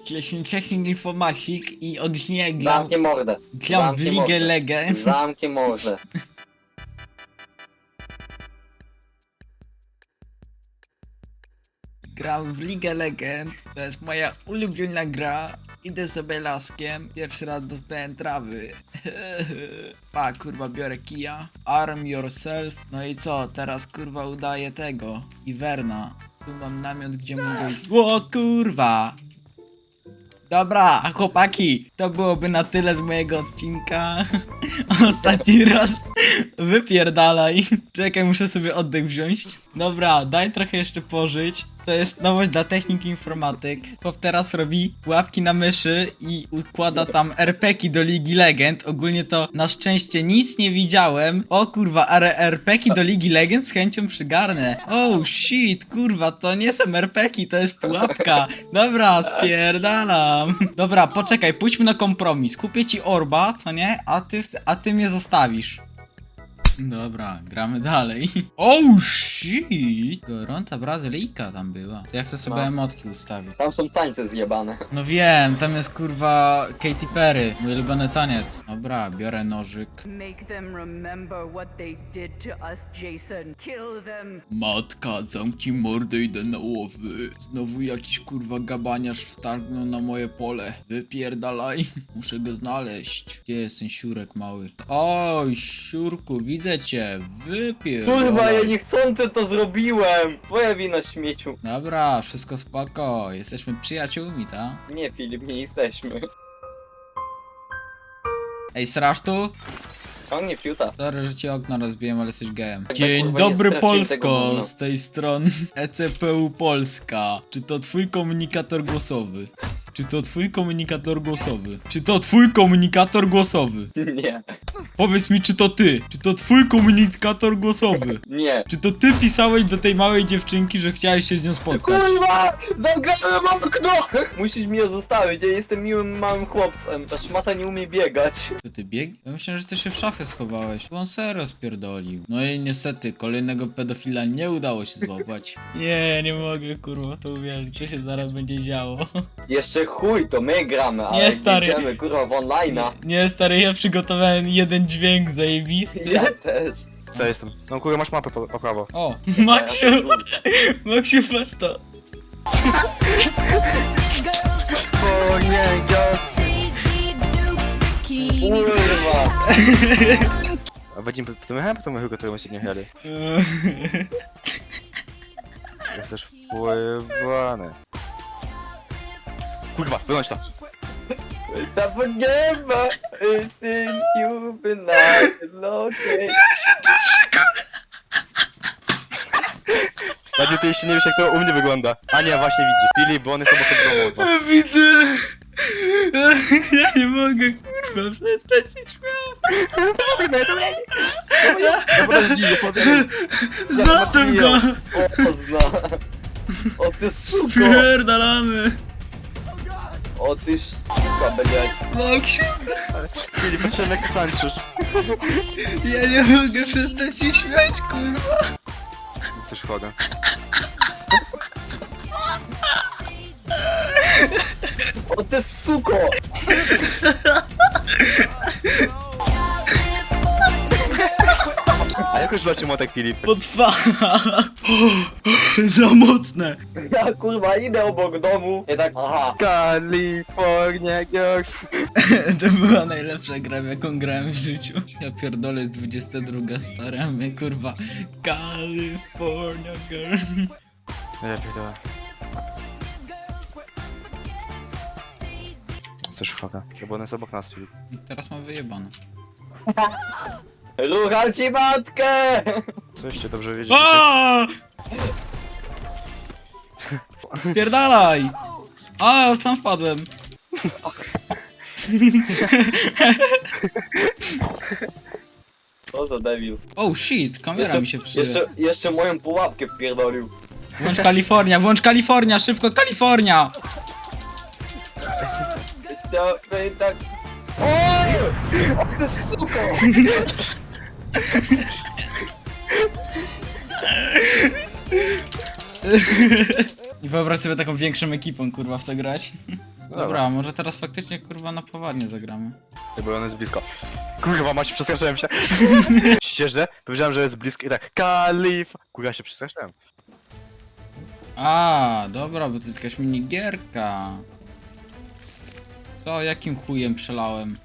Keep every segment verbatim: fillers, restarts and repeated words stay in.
Wcześniej informatik i ogólnie gram, Zamknij mordę. gram w Zamknij Ligę mordę. Legend. Zamknij mordę. Gram w Ligę Legend, to jest moja ulubiona gra. Idę sobie laskiem, pierwszy raz dostałem trawy. Pa, kurwa, biorę kija. Arm yourself. No i co, teraz kurwa udaję tego. Iwerna. Tu mam namiot, gdzie mogę iść. O kurwa! Dobra, chłopaki, to byłoby na tyle z mojego odcinka. Ostatni raz wypierdalaj. Czekaj, muszę sobie oddech wziąć. Dobra, daj trochę jeszcze pożyć. To jest nowość dla techniki informatyk. Chłop teraz robi łapki na myszy i układa tam er pe ki do Ligi Legend. Ogólnie to na szczęście nic nie widziałem. O kurwa, ale er pe ki do Ligi Legend z chęcią przygarnę. Oh shit, kurwa, to nie są er pe ki, to jest pułapka. Dobra, spierdalam. Dobra, poczekaj, pójdźmy na kompromis. Kupię ci orba, co nie? A ty, a ty mnie zostawisz. Dobra, gramy dalej. Oh shit! Gorąca Brazylijka tam była. To ja chcę sobie No. emotki ustawić. Tam są tańce zjebane. No wiem, tam jest kurwa Katy Perry, mój ulubiony taniec. Dobra, biorę nożyk. Make them remember what they did to us, Jason. Kill them. Matka, zamknij mordę, idę na łowy. Znowu jakiś kurwa gabaniarz wtargnął na moje pole. Wypierdalaj. Muszę go znaleźć. Gdzie jest ten siurek mały? Oj, siurku, widzę cię. Wypierdalaj. Kurwa, ja niechcący to zrobiłem! Twoja wina, śmieciu. Dobra, wszystko spoko. Jesteśmy przyjaciółmi, ta? Nie, Filip, nie jesteśmy. Ej, srasz tu? On nie fiuta. Sorry, że ci okno rozbiłem, ale jesteś gejem. Tak, Dzień kurwa, nie dobry straciłem tego Polsko, gówna. z tej strony e ce pe u Polska. Czy to twój komunikator głosowy? Czy to twój komunikator głosowy? Czy to twój komunikator głosowy? Nie, Powiedz mi, czy to ty? Czy to twój komunikator głosowy? nie. Czy to ty pisałeś do tej małej dziewczynki, że chciałeś się z nią spotkać? Kurwa! Zamknąłem okno! Musisz mnie zostawić, ja jestem miłym małym chłopcem. Ta szmata nie umie biegać. To ty bieg? Ja myślałem, że ty się w szafie schowałeś. Bo on serio spierdolił. No i niestety, kolejnego pedofila nie udało się złapać. Nie, nie mogę, kurwa, to uwierzyć. Co się zaraz będzie działo? Jeszcze chuj, to my gramy, ale Nie, jak stary. idziemy, kurwa, w online'a. Nie, stary, ja przygotowałem jeden dźwięk zajebisty. Ja też. Ja jestem. No kurwa, masz mapę po, po prawo. O, Maksiu, Maksiu, patrz to. O nie, kurwa. A będziemy po tym jechałem, po tym jechałem, którym się nie jechali. Ja też wpływany. Kurwa, wyłącz to. Ta nieba is in you, but not located. Bardziej ty jeszcze nie wiesz, jak to u mnie wygląda. Ania właśnie widzi. Filip, bo on jest obok domu. Widzę. Ja nie mogę, kurwa, przestać się śmiać. Dobra, zdziwię, potem. Zostaw go. Pozna. O ty suko. Pierdalamy. O ty suka, blядь. Maksiu, Filip, patrzyłem jak tańczysz. ja nie mogę przestać się śmiać, kurwa. Jesteś chory. O ty suko. A jak już walczy młotek, Filip? Potwa. Za mocne. Ja kurwa idę obok domu. I tak, aha. California Girls. To była najlepsza gra, w jaką grałem w życiu. Ja pierdolę, jest dwudziesta druga, stary, a my kurwa California girl. Lepiej to. Jesteś chory. Bo on jest obok nas, Filip. Teraz mam wyjebane. Rucham ci matkę. Co jeszcze dobrze wiedzieć? A! Spierdalaj! A, sam wpadłem. O za debil. Oh shit, kamera Jeszcze, mi się psuje. jeszcze, jeszcze moją pułapkę wpierdolił. Włącz Kalifornia, włącz Kalifornia, szybko Kalifornia! To, to i tak... Oj! O ty suko! I wyobraź sobie taką większą ekipą, kurwa, w to grać. Dobra, może teraz faktycznie kurwa na poważnie zagramy. Bo on jest blisko. Kurwa, macie, przestraszyłem się. Szczerze, powiedziałem, że jest blisko i tak, Kalif. Kurwa, się przestraszyłem. A, dobra, bo to jest jakaś minigierka. Co, jakim chujem przelałem?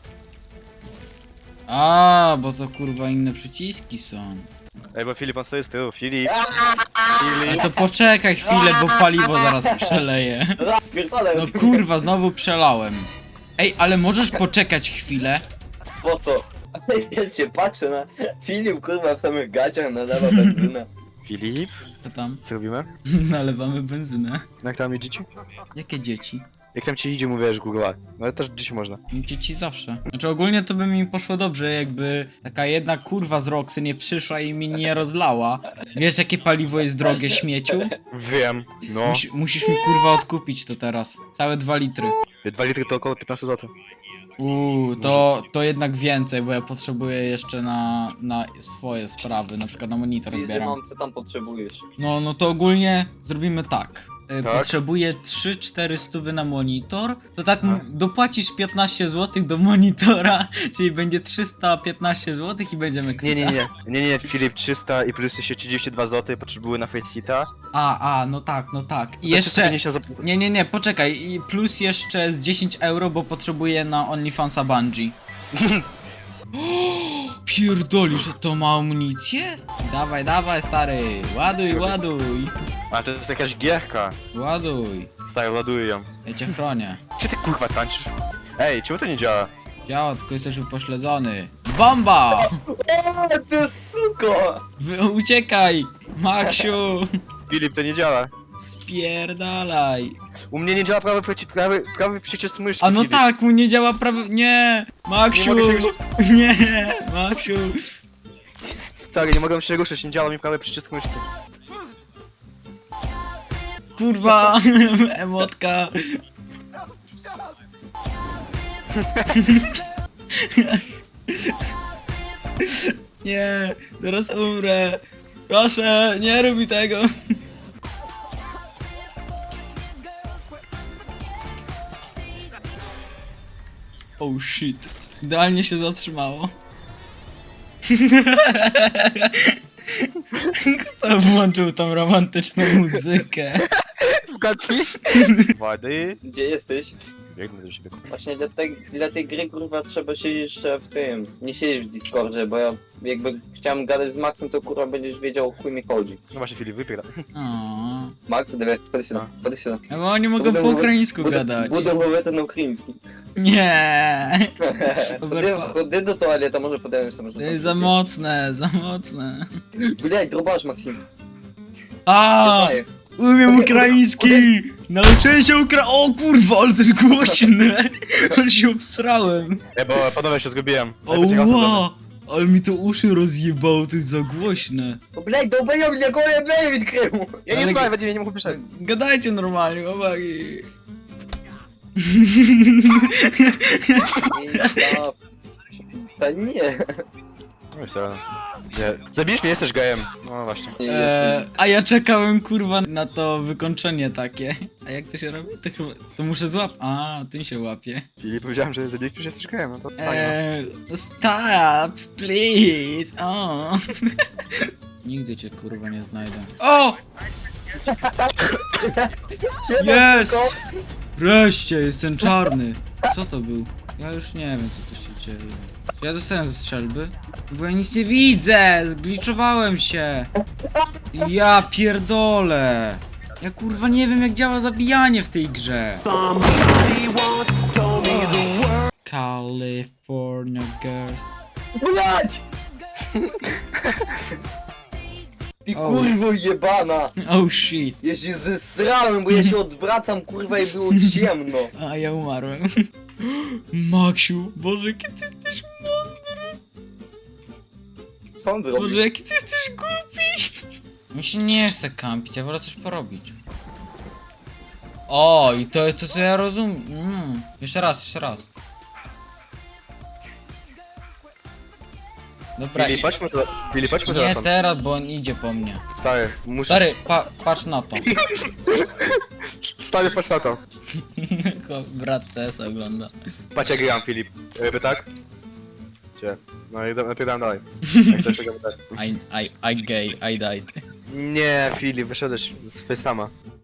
A, bo to kurwa inne przyciski są. Ej, bo Filip, on stoi z tyłu. Filip. No Filip. to poczekaj chwilę, bo paliwo zaraz przeleję. Raz, pierdolę. No kurwa, znowu przelałem. Ej, ale możesz poczekać chwilę? Po co? Ja się patrzę na Filip, kurwa, w samych gaciach nalewa benzynę. Filip. Co tam? Co robimy? Nalewamy benzynę. Jak tam idzie? Jakie dzieci? Jak tam ci idzie, mówisz, kurwa. No ale też dziś można. Dzieci zawsze. Znaczy ogólnie to by mi poszło dobrze, jakby taka jedna kurwa z Roxy nie przyszła i mi nie rozlała. Wiesz jakie paliwo jest drogie, śmieciu? Wiem. No. Musi, musisz mi kurwa odkupić to teraz. Całe dwa litry. Dwa litry to około piętnaście złotych. Uuu, to, to jednak więcej, bo ja potrzebuję jeszcze na, na swoje sprawy, na przykład na monitor Ile zbieram. mam, co tam potrzebujesz? No, no to ogólnie zrobimy tak. Y, Tak? Potrzebuję trzy cztery stówy na monitor, to tak m- dopłacisz piętnaście złotych do monitora, czyli będzie trzysta piętnaście złotych i będziemy Nie, kwita. nie, nie. Nie, nie, Filip, trzysta i plus jeszcze trzydzieści dwa złote potrzebuję na Faceta. A, a, no tak, no tak. I To jeszcze... pięćdziesiąt złotych. Nie, nie, nie, poczekaj. I plus jeszcze z dziesięć euro, bo potrzebuję na OnlyFansa Bungie. Pierdolisz, że to ma amunicję? Dawaj, dawaj, stary. Ładuj, ładuj. A to jest jakaś gierka. Ładuj. Stary, ładuję ją. Ja cię chronię. Czy ty kurwa tańczysz? Ej, czemu to nie działa? Działa, tylko jesteś upośledzony. Bomba! O, ty suko! Wy, uciekaj! Maksiu! Filip, to nie działa. Spierdalaj. U mnie nie działa prawy, przyci- prawy, prawy przycisk myszki, A no Filip. tak, mu nie działa prawie... Nie! Maksiu! Nie mogę się Nie! Maksiu! Stary, nie mogę się ruszyć, nie działa mi prawy przycisk myszki. Kurwa! Emotka! Nie! Zaraz umrę! Proszę, nie rób mi tego! Oh shit. Idealnie się zatrzymało. Kto włączył tą romantyczną muzykę? Zgadnij. Wady. Gdzie jesteś? Biegnę do siebie. Właśnie dla tej, dla tej gry, kurwa, trzeba siedzieć e, w tym. Nie siedzieć w Discordzie, bo ja jakby chciałem gadać z Maxem, to kurwa będziesz wiedział, o chuj mi chodzi. No właśnie, Filip, wypiera. O. Max, dawaj, chodź się chodź się No bo oni mogą po ukraińsku gadać. Budę mówię na ukraiński. Nie. Chodzę do toalety, może podałem sobie. To jest za mocne, za mocne. Блядь, drubasz, Maksim. A, umiem ukraiński! Nauczyłem się ukra... O kurwa, ale to jest głośne! Ale się obsrałem. Ej, bo panowie się zgubiłem. Oła! Ale mi to uszy rozjebało, to jest za głośne. O, блядь, долбоёб, для кого я дверь відкрив? Ja nie Ale- znałem, będzie mnie nie mógł wyszedł. Gadajcie normalnie, chłopaki. Ta nie. No i co? Nie. Zabijesz mnie, jesteś gejem. No właśnie. Nie Eee, jesteś. a ja czekałem kurwa na to wykończenie takie. A jak to się robi? To chyba... To muszę złap... A, tym się łapie. Filip, powiedziałem, że zabijesz mnie, jesteś gejem, no to wstań. Eee, stop, please. O. Nigdy cię kurwa nie znajdę. O! Siema, Jest! suko. Wreszcie, jestem czarny. Co to był? Ja już nie wiem, co tu się dzieje. Czy ja dostałem ze strzelby? Bo ja nic nie widzę! Zgliczowałem się! Ja pierdolę! Ja kurwa nie wiem, jak działa zabijanie w tej grze. California Girls. Блядь! Ty O. kurwo jebana! Oh shit. Ja się zesrałem, bo ja się odwracam, kurwa, i było ciemno. A ja umarłem. Maksiu, Boże, jaki ty jesteś mądry. Co on Boże, zrobił? jaki ty jesteś głupi. Mi się nie chce kampić, ja wolę coś porobić. O, i to jest to, co ja rozumiem. Mm. Jeszcze raz, jeszcze raz. Dobra, Filip, i... chodźmy to. Filip, chodźmy nie telefon. teraz, bo on idzie po mnie. Stary, muszę... Stary, pa patrz na to. Stary, patrz na to. Chłop, brat C S ogląda. Patrz jak gram, Filip. Ryby tak? Gdzie? No i napierałem dalej. Jak coś tego tak. I, I, I gay, I died. Nie, Filip, wyszedłeś z Face'ama.